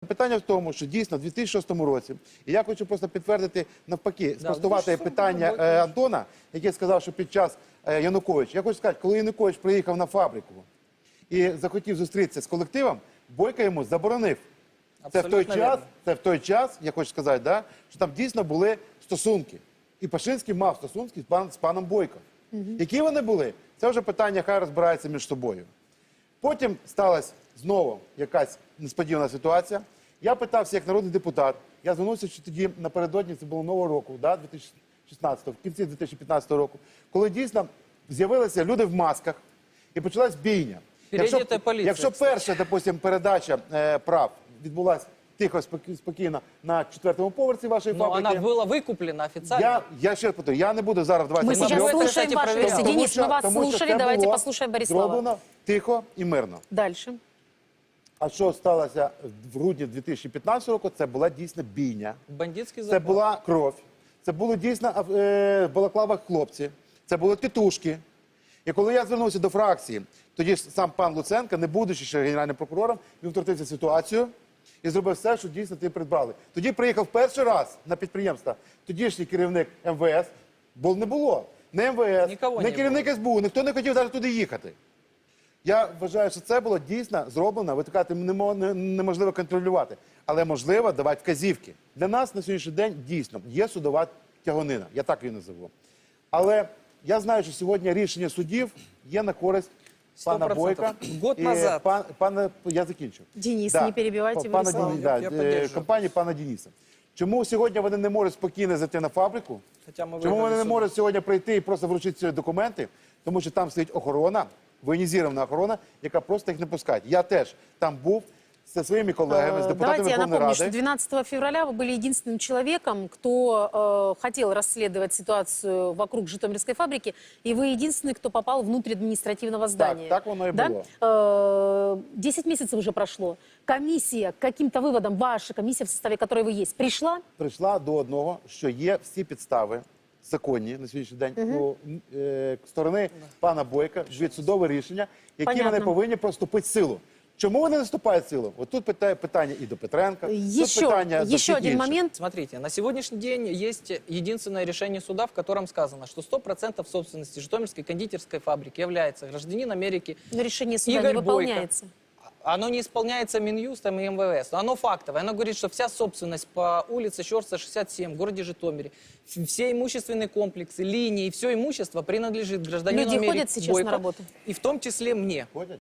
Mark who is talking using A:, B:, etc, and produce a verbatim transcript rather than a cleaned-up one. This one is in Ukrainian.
A: питання в тому, що дійсно в дві тисячі шостому році, і я хочу просто підтвердити навпаки, спростувати питання е, Антона, який сказав, що під час е, Януковича, я хочу сказати, коли Янукович приїхав на фабрику і захотів зустрітися з колективом, Бойко йому заборонив. Це в той час, це в той час, я хочу сказати, да, що там дійсно були стосунки. І Пашинський мав стосунки з, пан, з паном Бойко. Угу. Які вони були? Це вже питання, хай розбираються між собою. Потім сталася знову якась несподівана ситуація. Я питався як народний депутат, я звернувся що тоді напередодні, це було Нового року, да, дві тисячі шістнадцятого, в кінці дві тисячі п'ятнадцятого року, коли дійсно з'явилися люди в масках і почалась бійня. Якщо, якщо перша, допустим, передача е, прав відбулася тихо, спокійно на четвертому поверсі вашої
B: Но
A: фабрики.
B: она была выкуплена официально.
A: Я, я ще раз повторю, я не буду зараз давайте...
C: Мы сейчас слушаем ваши версии. Денис, мы вас слушали, давайте послушаем Борислава.
A: Зроблено тихо і мирно.
C: Дальше.
A: А що сталося в грудні дві тисячі п'ятнадцятого року, це була дійсно бійня.
B: Бандитський
A: Це
B: запал.
A: була кров. Це були дійсно е, балаклава хлопці. Це були тітушки. І коли я звернувся до фракції, тоді ж сам пан Луценко, не будучи ще генеральним прокурором, він втрутився в ситуацію і зробив все, що дійсно ти придбали. Тоді приїхав перший раз на підприємство тодішній керівник ем ве ес, бо не було. Не ем ве ес,
B: Нікого
A: не
B: не
A: керівник ес бе у, ніхто не хотів навіть туди їхати. Я вважаю, що це було дійсно зроблено, ви кажете, неможливо контролювати, але можливо давати вказівки. Для нас на сьогоднішній день дійсно є судова тяганина, я так її називу. Але я знаю, що сьогодні рішення судів є на користь пана Бойка.
B: Год назад.
A: Пан, пана, я закінчу.
C: Денис,
A: да.
C: не перебивайте
A: пана,
C: Борислава.
A: да,
B: Я
A: е, компанії пана Дениса. Чому сьогодні вони не можуть спокійно зайти на фабрику?
B: Хоча ми
A: Чому вони не
B: суд.
A: можуть сьогодні прийти і просто вручити ці документи? Тому що там стоїть охорона, воєнізована охорона, яка просто їх не пускає. Я теж там був со своими коллегами, с депутатами
C: Давайте я
A: Верховной
C: напомню,
A: Рады.
C: что двенадцатого февраля вы были единственным человеком, кто э, хотел расследовать ситуацию вокруг Житомирской фабрики, и вы единственный, кто попал внутрь административного здания.
A: Так, так оно и
C: да?
A: было.
C: Э, десять месяцев уже прошло. Комиссия к каким-то выводам, ваша комиссия, в составе которой вы есть, пришла?
A: Прийшла до одного, що є всі підстави законні на сьогоднішній день у е, сторони пана Бойка від судове рішення, які
C: Понятно.
A: вони повинні проступити силу. Чому вони не наступають силу? От тут питає, питання і до Петренка, тут
C: Еще,
A: питання до
C: еще
A: всіх
C: один
A: інших.
C: момент.
B: Смотрите, на сегодняшний день есть единственное решение суда, в котором сказано, что сто процентов собственности Житомирской кондитерской фабрики является гражданин Америки
C: Но решение суда
B: Игорь
C: не выполняется.
B: Бойко. Оно не исполняется Минюстом и эм вэ эс, но оно фактовое. Оно говорит, что вся собственность по улице Щорса, шестьдесят семь, в городе Житомире, все имущественные комплексы, линии, все имущество принадлежит гражданину
C: Люди
B: Америки
C: ходят сейчас
B: Бойко,
C: на работу?
B: и в том числе мне.
A: Ходять?